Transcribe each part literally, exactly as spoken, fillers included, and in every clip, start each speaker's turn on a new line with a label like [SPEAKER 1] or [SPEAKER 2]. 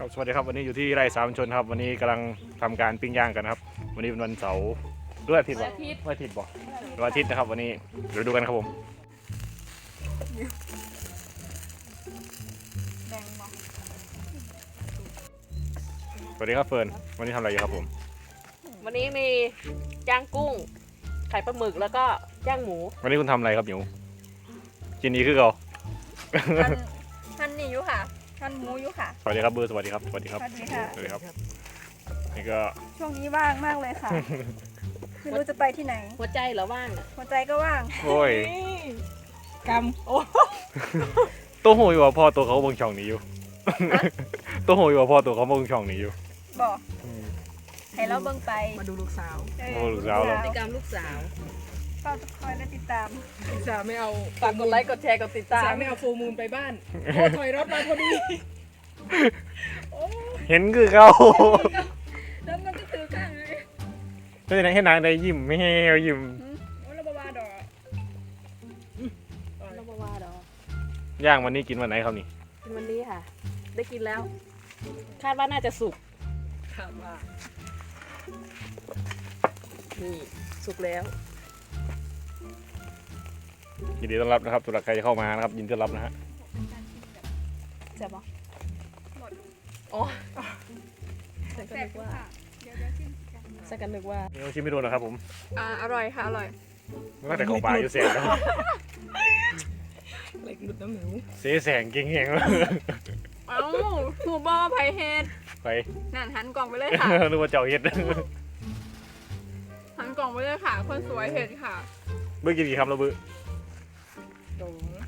[SPEAKER 1] ครับสวัสดีครับวันนี้อยู่ที่ไร่สามชนครับวันนี้กำลังทำการปิ้งย่างกันครับวันนี้เป็นวันเสาร์ด้วยอาทิตย์บ่ด้วยอาทิตย์บ่ด้วยอาทิตย์นะครับวันนี้เดี๋ยวดูกันครับผมสวัสดีครับเฟิร์นวันนี้ทำอะไรอยู่ครับผม
[SPEAKER 2] วันนี้มีย่างกุ้งไข่ปลาหมึกแล้วก็ย่างหมู
[SPEAKER 1] วันนี้คุณทำอะไรครับหนูกินดีคือเก่า
[SPEAKER 3] ท่านท่านนี่อยู่ค่ะท่านหมูอยู่ค่ะ
[SPEAKER 1] สวัสดีครับเบอร์สวัสดีครับสวัสดีครับ
[SPEAKER 3] สวัสดีค่ะ
[SPEAKER 1] สวัสดีครับนี่ก็
[SPEAKER 3] ช่วงนี้ว่างมากเลยค่ะ ไม่รู้จะไปที่ไหน
[SPEAKER 2] หัวใจเหรอว่างอะ
[SPEAKER 3] หัวใจก็ว่าง
[SPEAKER 1] โอ้ย
[SPEAKER 2] กำโอ้
[SPEAKER 1] ตัวโหยว่าพ่อตัวเขาเบิ่งช่องนี้อยู่ ตัวโหยว่าพ่อตัวเขาเบิ่งช่องนี้อยู่
[SPEAKER 3] บอกให้เราเบิ่งไป
[SPEAKER 2] มาดูลูกสาว
[SPEAKER 3] เอ
[SPEAKER 1] โอ้ลูกสาวเหรอ
[SPEAKER 2] พฤติกรรมลูกสาว
[SPEAKER 3] เฝ้าคอยและติดตาม
[SPEAKER 4] สาไม่เอา
[SPEAKER 2] ฝากกดไลค์กดแชร์กดติดตา
[SPEAKER 4] สาม ไม่เอาฟูลมูลไปบ้าน โอ้ถอยรถมาพอดี
[SPEAKER 1] เห็นคือเขา
[SPEAKER 3] แล้วมันก็ถือข้างเลย
[SPEAKER 1] แล้วไหนให้นางได้ยิ้มไม่ให้เขายิ้ม
[SPEAKER 3] โอ้ระบาวาดอก
[SPEAKER 2] เราบอกว่าดอก
[SPEAKER 1] ย่างวันนี้กินวันไหนครับนี่
[SPEAKER 2] กินวันนี้ค่ะ ได้กินแล้ว คาดว่าน่าจะสุก
[SPEAKER 4] ถามว่า
[SPEAKER 2] นี่สุกแล้ว
[SPEAKER 1] ยินดีต้อนรับนะครับสำหรับใครจะเข้ามานะครับยินดีต้อนรับนะฮะ
[SPEAKER 2] ใช่ปะอ๋อฉันก็นึกว่า
[SPEAKER 3] เดี๋ยวเดี๋ยวชิมกัน
[SPEAKER 2] ฉันก็นึกว่า
[SPEAKER 1] นี่ชิมไม่โดนนะครับผม
[SPEAKER 3] อ่าอร่อยค่ะอร่อย
[SPEAKER 1] ตั้งแต่เข้าป่าอยู่เสียงแล้ว
[SPEAKER 4] เหล็กหลุดน้ำหนู
[SPEAKER 1] เสียแสงเก่งแหงแล้ว
[SPEAKER 3] เอ้าหูบอไผ่เฮ็ด
[SPEAKER 1] ไป
[SPEAKER 3] นั่นหันกล่องไปเลยค่ะ
[SPEAKER 1] นึกว่าเจ้าเฮ็ด
[SPEAKER 3] หันกล่องไปเลยค่ะ คนสวยเห็ดค่ะ
[SPEAKER 1] เบื่อกินกี่คำแล้วเบื่อ
[SPEAKER 4] ตรง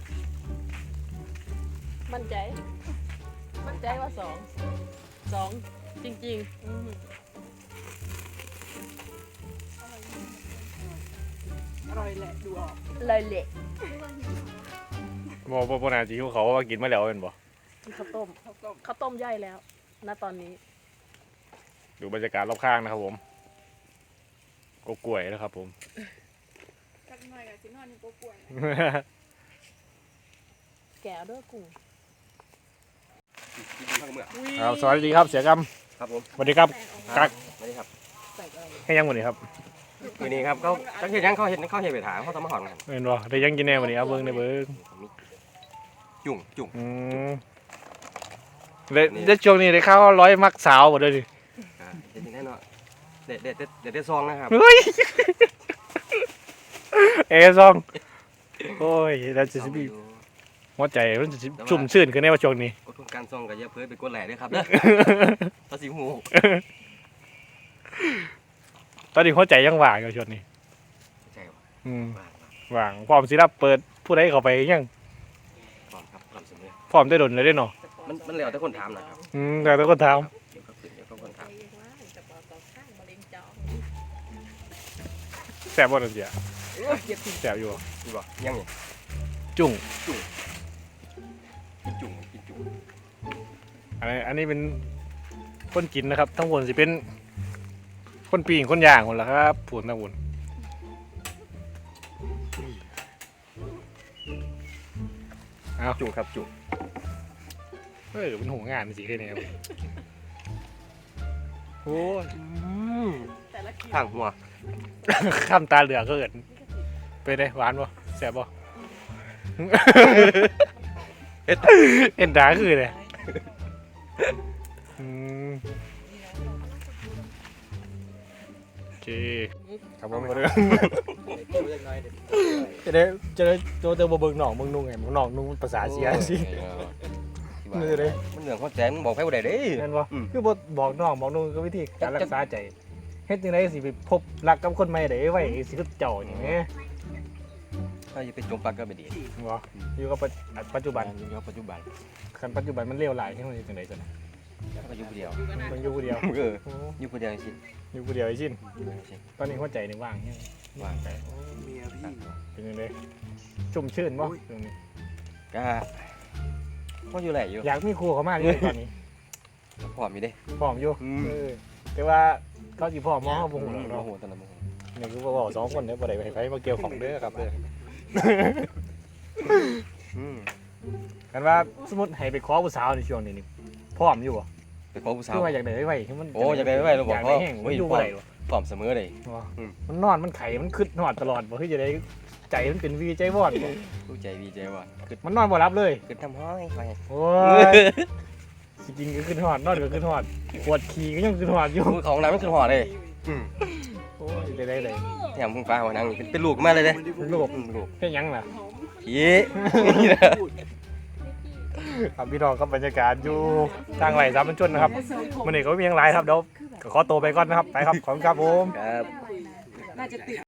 [SPEAKER 2] มั่นใจ มั่นใจว่าสองสองจริงๆอืม
[SPEAKER 4] อร่อยแหละดูออก
[SPEAKER 2] เลยเละ
[SPEAKER 1] บอกว่านาจีเขาว่ากินมาแล้วเป็นบ่
[SPEAKER 2] กินข้าวต้ม
[SPEAKER 4] ข้าวต้ม
[SPEAKER 2] ข้าวต้มย่อยแล้ว ณ ตอนนี้
[SPEAKER 1] ดูบรรยากาศรอบข้างนะครับผมก็กล้วยนะครับผม
[SPEAKER 3] จักหน่อยกับสินอนนี่ก็ป่วย
[SPEAKER 2] แกะด้วยกุ้ง
[SPEAKER 1] ครับสวัสดีครับเสียกรรม
[SPEAKER 5] ครับผม
[SPEAKER 1] สวัสดีครับกัก
[SPEAKER 5] สวัสดีครับ
[SPEAKER 2] ใส่อะไร
[SPEAKER 1] ให้ยังวันนี้ครับ
[SPEAKER 5] วันนี้ครับเขาจักเห็นยังเขาเห็นเขาเห็นไปถามเขาทำมาหอนกัน
[SPEAKER 1] เป็นบ่ได้ยังกินแน่วันนี้เอาเบิ้งในเบิ้ง
[SPEAKER 5] จุ่งจุ่ง
[SPEAKER 1] อืมเด็ดเด็ดช่วงนี้ได้ข้าวร้อยมักสาวหมดเลยดิ
[SPEAKER 5] อ่าเห็นแน่นอนเด็ดเด็ดเด็ดเด็ดเด็ดซองนะครับ
[SPEAKER 1] เฮ้ยเอซองโอ้ยแล้วจะมีหัวใจมันจะชุ่มชื่นขึ้นในว่าช่วงนี้
[SPEAKER 5] กดการซองกับเยอะเพื่อไปกดแหล่ด้วยครับเด้อภาษีหู
[SPEAKER 1] ตอนนี้หัวใจยังว่างอยู่ช่วงนี้
[SPEAKER 5] ใช่ป่ะ
[SPEAKER 1] อืม
[SPEAKER 5] ว่าง
[SPEAKER 1] ว่างพร้อมสิรับเปิดผู้ใดเข้าไปยัง
[SPEAKER 5] ก่อนครับก่อนเสมอ
[SPEAKER 1] พร้อมได้ดนเลยได้เนาะ
[SPEAKER 5] มันมันเหลวแต่คนถามนะครับ
[SPEAKER 1] อืมแต่ต้องคนถาม
[SPEAKER 5] เดี๋ยวก็ขึ้นเดี๋ยวก็คนถาม
[SPEAKER 2] จะปอต่อข้างมะเร็งจอ
[SPEAKER 1] แสบบ่นั่นเสีย
[SPEAKER 4] เก็บถึง
[SPEAKER 1] แสบอยู่บ่
[SPEAKER 5] ดีป่ะยังไง
[SPEAKER 1] จุ่ง
[SPEAKER 5] กินจุ่งกินจุ่ง
[SPEAKER 1] อันนี้อันนี้เป็นคนกินนะครับ ทั้งหมดสิเป็นคนปีงคนย่างคนละครับผูนทั้งหมดเอา
[SPEAKER 5] จุ่งครับจุ่ง
[SPEAKER 1] เออเป็นหัวงานสิแค่นี้ครับโอ้ย
[SPEAKER 2] แต่ละคิว
[SPEAKER 5] ทางหัว
[SPEAKER 1] ข้ามตาเหลือกเกินไปได้หวานบ่แสบบ่ เอ็ดเอ็นดาคือเลยอืมโอเคครับผมก็เรื่องจะได้จะได้ตัวเตอร์บเบิงหนองเบิงนุ่งไงเบิงหนองนุ่งภาษาเสียสินี่เลย
[SPEAKER 5] มันเหลืองเขาแจ้งบอกให้ผู้ใดเด้
[SPEAKER 1] นั่นบ่
[SPEAKER 5] อืม
[SPEAKER 1] คือบ่บอกน้องบอกนุ่งก็วิธีการรักษาใจเฮ็ดจังไดสิไปพบรักกับคนใหม่ได้ไว้สิคือเจ้านี่แหม
[SPEAKER 5] ถ้าจะไปจมปลักก็ไม่ดี
[SPEAKER 1] บ่อยู่กับปัจจุบัน
[SPEAKER 5] อยู่ปัจจุบัน
[SPEAKER 1] คันปัจจุบันมันเลวหลายที่มันจังได๋ซั่น
[SPEAKER 5] ก็อยู่ผู้เดียว
[SPEAKER 1] มันอยู่ผู้เดียว
[SPEAKER 5] เออ
[SPEAKER 1] โอ้
[SPEAKER 5] อยู่ผู้เดียวจริง
[SPEAKER 1] อยู่ผู้เดียวไอ้ชิน
[SPEAKER 5] อยู่ผู้เดียวจริง
[SPEAKER 1] ตอนนี้หัวใจนี่ว่างยัง
[SPEAKER 5] ว่างไป
[SPEAKER 1] เป็นยังไงชุ่มชื่นบ่ตรงนี้
[SPEAKER 5] ก็ก็อยู่แหละอยู่
[SPEAKER 1] อยากมีครูเขามากเลยตอนนี้
[SPEAKER 5] พร้อมอยู่เด้
[SPEAKER 1] พร้อมอยู่
[SPEAKER 5] อืม
[SPEAKER 1] เออแต่ว่าเขาสิพร้อมมองเขาบ่ฮู้หรอก
[SPEAKER 5] โม
[SPEAKER 1] เนาะ
[SPEAKER 5] โหตอนนั้นโมโห
[SPEAKER 1] นี่คือบอกสองคนเนี่ยบ่ได้ไปไผมาเกี่ยวของเด้อครับเด้อ
[SPEAKER 5] อืม
[SPEAKER 1] กันว่าสมมุติให้ไปขอผู้สาวในช่วงนี้นี่พร้อมอยู่บ่
[SPEAKER 5] ไปขอผู้สาว
[SPEAKER 1] คือว่าอยากได้ไว้ให้มัน
[SPEAKER 5] โอ้อยากได้ไว้เราบอก
[SPEAKER 1] อยากได้แห้ง
[SPEAKER 5] โอ้
[SPEAKER 1] มัน
[SPEAKER 5] ย
[SPEAKER 1] อยู่บ่ได้หรอ
[SPEAKER 5] พร้อมเสมอเลย
[SPEAKER 1] วะ
[SPEAKER 5] อืม
[SPEAKER 1] มันนอนมันไข่มันคึดนอนตลอดบ่คือจะได้ใจมันเป็นวีใจวอดบ่
[SPEAKER 5] รู้ใจดีใจว่ะคือ
[SPEAKER 1] มันนอนบ่รับเลย
[SPEAKER 5] คือทำห้อยไป
[SPEAKER 1] โอ้ยจริงๆก็ขึ้นหอดนอนก็ขึ้นหอดปวดขี่ก็ยังขึ้นหอดอยู่
[SPEAKER 5] มือของน้ำมันคือหอเลยอืม
[SPEAKER 1] โอ้ยได้ได้เลย
[SPEAKER 5] เนี่ยมึงฟ้าหัวนังเป็นเป็นลูกมาเลยเด้
[SPEAKER 1] ลูก
[SPEAKER 5] อืมลูก
[SPEAKER 1] แค่ยังล่ะ
[SPEAKER 5] ผีนี่นะ
[SPEAKER 1] ครับพี่น้องครับบรรยากาศอยู่ทางไหลสามบรรจนนะครับมันนี่ก็ไม่มีอย่างไรครับเดี๋ยวขอตัวไปก่อนนะครับไปครับขอบคุณครับผม
[SPEAKER 5] ครับ
[SPEAKER 4] น่าจะติด